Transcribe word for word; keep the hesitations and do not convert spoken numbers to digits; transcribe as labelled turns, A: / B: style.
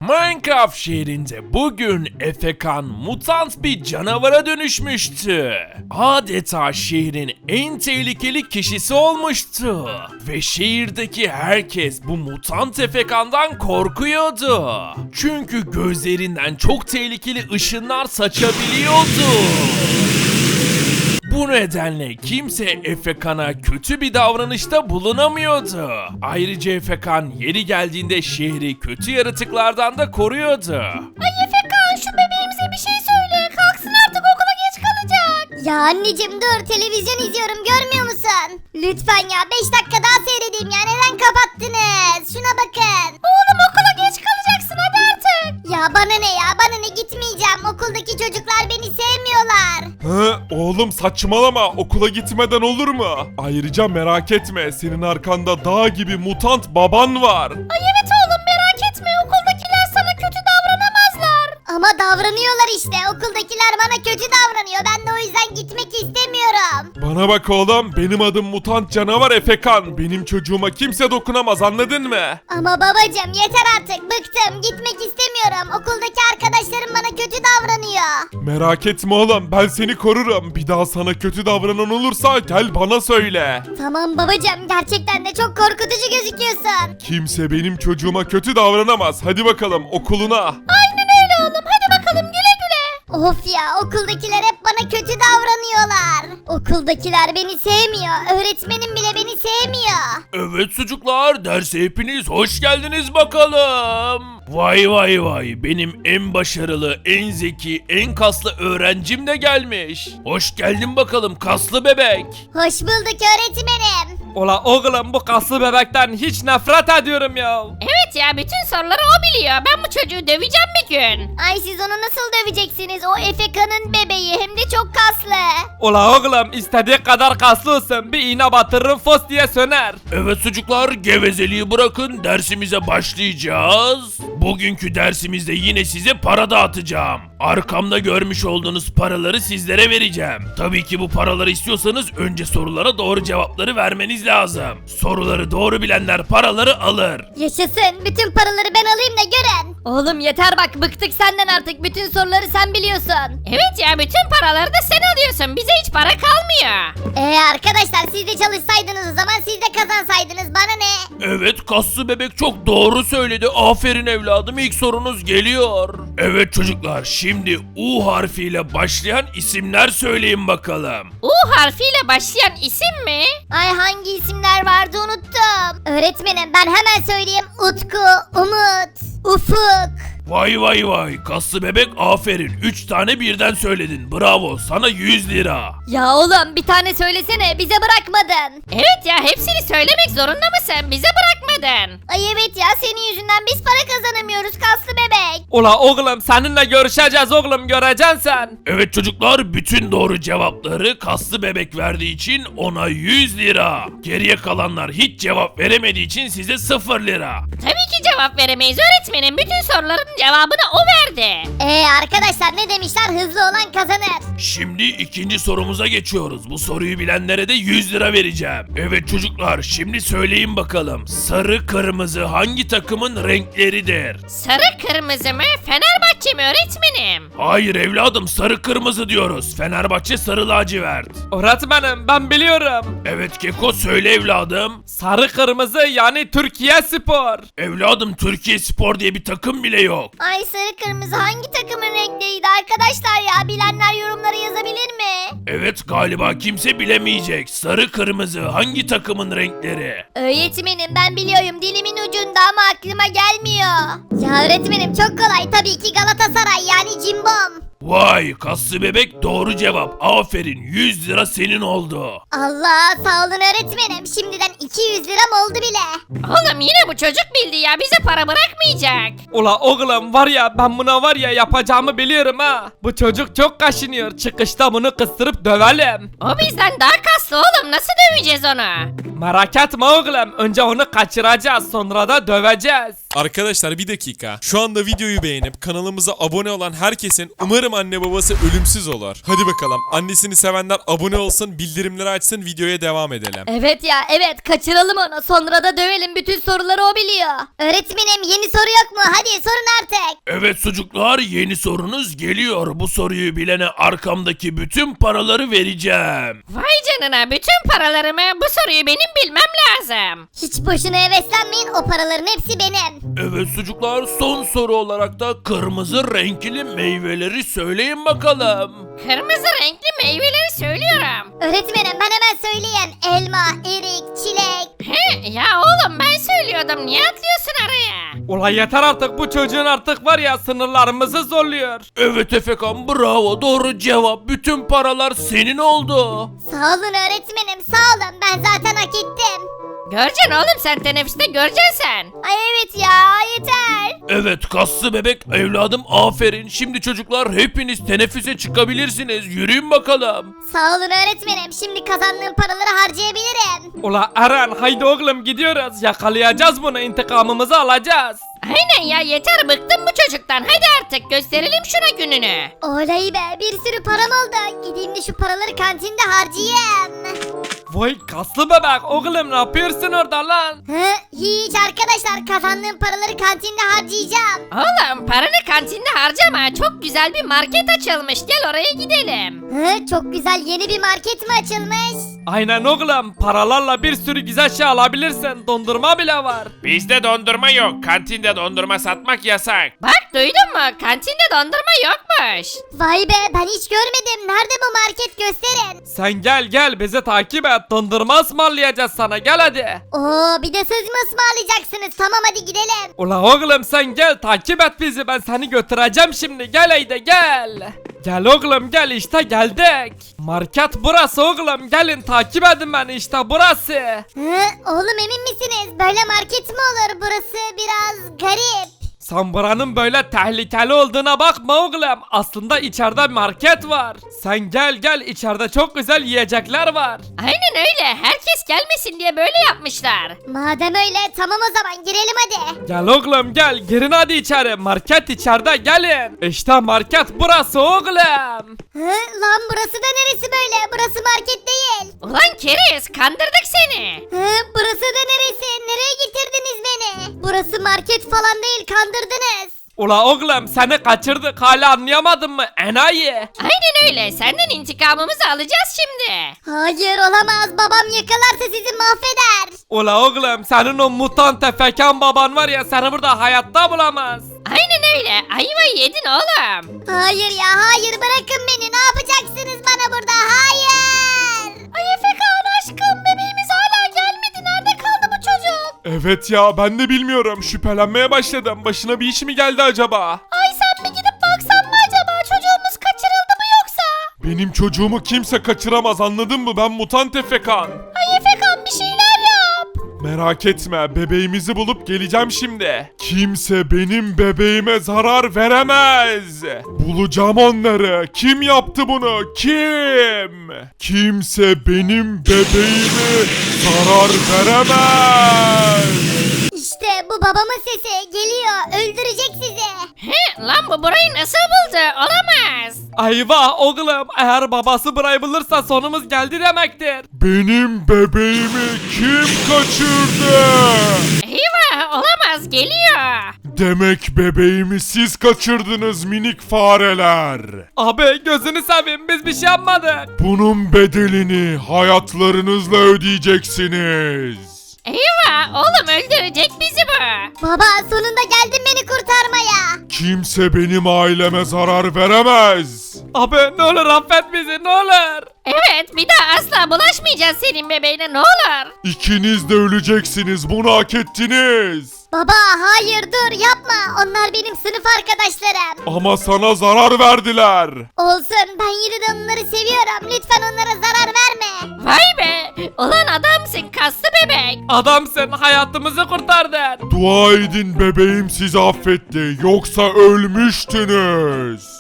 A: Minecraft şehrinde bugün Efekan mutant bir canavara dönüşmüştü. Adeta şehrin en tehlikeli kişisi olmuştu. Ve şehirdeki herkes bu mutant Efekan'dan korkuyordu. Çünkü gözlerinden çok tehlikeli ışınlar saçabiliyordu. Bu nedenle kimse Efekan'a kötü bir davranışta bulunamıyordu. Ayrıca Efekan yeri geldiğinde şehri kötü yaratıklardan da koruyordu.
B: Ay Efekan, şu bebeğimize bir şey söyle. Kalksın artık, okula geç kalacak. Ya anneciğim dur, televizyon izliyorum, görmüyor musun? Lütfen ya, beş dakika daha seyredeyim ya, neden kapattınız? Şuna bakın. Oğlum okula geç kalacaksın, hadi artık. Ya bana ne ya, bana ne, gitmeyeceğim. Okuldaki çocuklar beni sevmiyorlar.
C: Hı, oğlum saçmalama, okula gitmeden olur mu? Ayrıca merak etme, senin arkanda dağ gibi mutant baban var.
B: Ay evet oğlum, merak etme, okuldakiler sana kötü davranamazlar. Ama davranıyorlar işte, okuldakiler bana kötü davranıyor, ben de o yüzden gitmek istemiyorum.
C: Bana bak oğlum, benim adım mutant canavar Efekan. Benim çocuğuma kimse dokunamaz, anladın mı?
B: Ama babacığım yeter artık, bıktım, gitmek istemiyorum. Okuldaki arkadaşlarım bana kötü davranıyor.
C: Merak etme oğlum, ben seni korurum. Bir daha sana kötü davranan olursa gel bana söyle.
B: Tamam babacığım, gerçekten de çok korkutucu gözüküyorsun.
C: Kimse benim çocuğuma kötü davranamaz. Hadi bakalım okuluna.
B: Aynen öyle oğlum, hadi bakalım, güle güle. Of ya, okuldakiler hep bana kötü davranıyorlar. Okuldakiler beni sevmiyor, öğretmenim bile beni sevmiyor.
A: Evet çocuklar, derse hepiniz hoş geldiniz bakalım. Vay vay vay, benim en başarılı, en zeki, en kaslı öğrencim de gelmiş. Hoş geldin bakalım kaslı bebek.
B: Hoş bulduk öğretmenim.
D: Ola oğlum, bu kaslı bebekten hiç nefret ediyorum ya.
E: Evet ya, bütün soruları o biliyor. Ben bu çocuğu döveceğim bir gün.
B: Ay siz onu nasıl döveceksiniz? O Efeka'nın bebeği, hem de çok kaslı.
D: Ola oğlum, istediği kadar kaslı olsun, bir iğne batırırım fos diye söner.
A: Evet çocuklar, gevezeliği bırakın, dersimize başlayacağız. Bugünkü dersimizde yine size para dağıtacağım. Arkamda görmüş olduğunuz paraları sizlere vereceğim. Tabii ki bu paraları istiyorsanız önce sorulara doğru cevapları vermeniz lazım. Soruları doğru bilenler paraları alır.
B: Yaşasın, bütün paraları ben alayım da görün. Oğlum yeter bak, bıktık senden artık, bütün soruları sen biliyorsun.
E: Evet ya, bütün paraları da sen alıyorsun. Bize hiç para kalmıyor.
B: Ee arkadaşlar, siz de çalışsaydınız o zaman, siz de kazansaydınız, bana ne?
A: Evet, kaslı bebek çok doğru söyledi. Aferin evladım, ilk sorunuz geliyor. Evet çocuklar, şimdi U harfiyle başlayan isimler söyleyin bakalım.
E: U harfiyle başlayan isim mi?
B: Ay hangi isimler vardı, unuttum. Öğretmenim ben hemen söyleyeyim, Utku, Umut, Ufuk.
A: Vay vay vay, kaslı bebek aferin. üç tane birden söyledin. Bravo, sana yüz lira.
B: Ya oğlum bir tane söylesene, bize bırakmadın.
E: Evet ya, hepsini söylemek zorunda mısın? Bize bırakmadın.
B: Ay evet ya, senin yüzünden biz para kazanamıyoruz kaslı bebek.
D: Ola oğlum, seninle görüşeceğiz oğlum, göreceksin sen.
A: Evet çocuklar, bütün doğru cevapları kaslı bebek verdiği için ona yüz lira. Geriye kalanlar hiç cevap veremediği için size sıfır lira.
E: Tabii ki cevap veremeyiz öğretmenim. Bütün soruların cevabını o verdi.
B: Ee arkadaşlar ne demişler, hızlı olan kazanır.
A: Şimdi ikinci sorumuza geçiyoruz. Bu soruyu bilenlere de yüz lira vereceğim. Evet çocuklar, şimdi söyleyin bakalım. Sarı kırmızı hangi takımın renkleridir?
E: Sarı kırmızı mı? Fenerbahçe mi öğretmenim?
A: Hayır evladım, sarı kırmızı diyoruz. Fenerbahçe sarı lacivert.
D: Öğretmenim, ben biliyorum.
A: Evet Keko, söyle evladım.
D: Sarı kırmızı, yani Türkiye Spor.
A: Evladım, Türkiye Spor diye bir takım bile yok.
B: Ay sarı kırmızı hangi takımın renkleriydi arkadaşlar ya, bilenler yorumlara yazabilir mi?
A: Evet, galiba kimse bilemeyecek. Sarı kırmızı hangi takımın renkleri?
B: Öğretmenim ben biliyorum, dilimin ucunda ama aklıma gelmiyor. Ya öğretmenim çok kolay, tabii ki Galatasaray, yani cimbom.
A: Vay, kaslı bebek doğru cevap. Aferin, yüz lira senin oldu.
B: Allah sağ olun öğretmenim, şimdiden iki yüz liram oldu bile.
E: Oğlum yine bu çocuk bildi ya, bize para bırakmayacak.
D: Ola oğlum, var ya, ben buna var ya yapacağımı biliyorum ha. Bu çocuk çok kaşınıyor, çıkışta bunu kıstırıp dövelim.
E: O bizden daha kaslı oğlum, nasıl döveceğiz onu?
D: Merak etme oğlum, önce onu kaçıracağız, sonra da döveceğiz.
F: Arkadaşlar bir dakika. Şu anda videoyu beğenip kanalımıza abone olan herkesin umarım anne babası ölümsüz olur. Hadi bakalım, annesini sevenler abone olsun, bildirimleri açsın, videoya devam edelim.
B: Evet ya evet, kaçıralım onu, sonra da dövelim, bütün soruları o biliyor. Öğretmenim yeni soru yok mu, hadi sorun artık.
A: Evet çocuklar, yeni sorunuz geliyor. Bu soruyu bilene arkamdaki bütün paraları vereceğim.
E: Vay canına, bütün paralarımı, bu soruyu benim bilmem lazım.
B: Hiç boşuna heveslenmeyin, o paraların hepsi benim.
A: Evet çocuklar, son soru olarak da kırmızı renkli meyveleri söyleyin bakalım.
E: Kırmızı renkli meyveleri söylüyorum.
B: Öğretmenim ben hemen söyleyeyim. Elma, erik, çilek.
E: He, ya oğlum ben söylüyordum, niye atlıyorsun araya?
D: Ulan yeter artık, bu çocuğun artık var ya sınırlarımızı zorluyor.
A: Evet Efekan, bravo, doğru cevap. Bütün paralar senin oldu.
B: Sağ olun öğretmenim, sağ olun. Ben zaten hak ettim.
E: Göreceksin oğlum, sen teneffüste göreceksin sen.
B: Ay evet ya, yeter.
A: Evet kaslı bebek evladım, aferin. Şimdi çocuklar hepiniz teneffüse çıkabilirsiniz. Yürüyün bakalım.
B: Sağ olun öğretmenim. Şimdi kazandığım paraları harcayabilirim.
D: Ula Eren, haydi oğlum gidiyoruz, yakalayacağız bunu, intikamımızı alacağız.
E: Aynen ya, yeter, bıktım bu çocuktan. Hadi artık gösterelim şuna gününü.
B: Oley be, bir sürü param oldu. Gideyim de şu paraları kantinde harcayayım.
D: Vay kaslı bebek, oğlum ne yapıyorsun orada lan?
B: Hı, hiç arkadaşlar, kazandığım paraları kantinde harcayacağım.
E: Oğlum paranı kantinde harcama, çok güzel bir market açılmış, gel oraya gidelim.
B: Hı, çok güzel yeni bir market mi açılmış?
D: Aynen oğlum, paralarla bir sürü güzel şey alabilirsin, dondurma bile var.
A: Bizde dondurma yok. Kantinde dondurma satmak yasak.
E: Bak duydun mu, kantinde dondurma yokmuş.
B: Vay be, ben hiç görmedim. Nerede bu market, gösterin.
D: Sen gel gel, bizi takip et, dondurma ısmarlayacağız sana, gel hadi.
B: Oo, bir de söz mü ısmarlayacaksınız? Tamam hadi gidelim.
D: Ula oğlum sen gel, takip et bizi, ben seni götüreceğim şimdi, gel haydi gel. Gel oğlum gel, işte geldik. Market burası oğlum, gelin takip edin beni, işte burası.
B: Hı, oğlum emin misiniz? Böyle market mi olur? Burası biraz garip.
D: Sen buranın böyle tehlikeli olduğuna bakma oğlum. Aslında içeride market var. Sen gel gel, içeride çok güzel yiyecekler var.
E: Aynen öyle, herkes gelmesin diye böyle yapmışlar.
B: Madem öyle, tamam o zaman girelim hadi.
D: Gel oğlum gel, girin hadi içeri. Market içeride, gelin. İşte market burası oğlum.
B: Hı, lan burası da neresi böyle? Burası market değil.
E: Ulan keriz, kandırdık seni.
B: Hı, burası da neresi? Nereye getirdiniz beni? Burası market falan değil, kandırdınız.
D: Ula oğlum seni kaçırdık, hala anlayamadın mı enayi?
E: Aynen öyle, senden intikamımızı alacağız şimdi.
B: Hayır olamaz, babam yakalarsa sizi mahveder.
D: Ula oğlum senin o mutant efekan baban var ya, seni burada hayatta bulamaz.
E: Aynen öyle, ayvayı yedin oğlum.
B: Hayır ya, hayır, bırakın beni. Ne yapacaksınız bana burada? Hayır. Ay Efekan aşkım, bebeğimiz hala gelmedi. Nerede kaldı bu çocuk?
C: Evet ya, ben de bilmiyorum. Şüphelenmeye başladım. Başına bir iş mi geldi acaba?
B: Ay sen mi gidip baksan mı acaba? Çocuğumuz kaçırıldı mı yoksa?
C: Benim çocuğumu kimse kaçıramaz, anladın mı? Ben mutant Efekan.
B: Ay Efekan, bir şeyler yap.
C: Merak etme, bebeğimizi bulup geleceğim şimdi. Kimse benim bebeğime zarar veremez. Bulacağım onları. Kim yaptı bunu? Kim? Kimse benim bebeğime zarar veremez.
B: İşte bu babamın sesi geliyor. Öldürecek sizi.
E: He, lan bu burayı nasıl buldu? Olamaz.
D: Ayva oğlum, eğer babası burayı bulursa sonumuz geldi demektir.
C: Benim bebeğimi kim kaçırdı?
E: Eyvah, olamaz, geliyor.
C: Demek bebeğimi siz kaçırdınız minik fareler.
D: Abi gözünü seveyim, biz bir şey yapmadık.
C: Bunun bedelini hayatlarınızla ödeyeceksiniz.
E: Eyvah, oğlum öldürecek bizi bu.
B: Baba sonunda geldin beni kurtarmaya.
C: Kimse benim aileme zarar veremez.
D: Abi ne olur affet bizi, ne olur.
E: Evet, bir daha asla bulaşmayacağız senin bebeğine, ne olur.
C: İkiniz de öleceksiniz, bunu hak ettiniz.
B: Baba hayır, dur yapma. Onlar benim sınıf arkadaşlarım.
C: Ama sana zarar verdiler.
B: Olsun, ben yine de onları seviyorum. Lütfen onlara zarar verme.
E: Vay be, ulan adamsın kaslı bebek.
D: Adamsın, hayatımızı kurtardın.
C: Dua edin bebeğim sizi affetti, yoksa ölmüştünüz.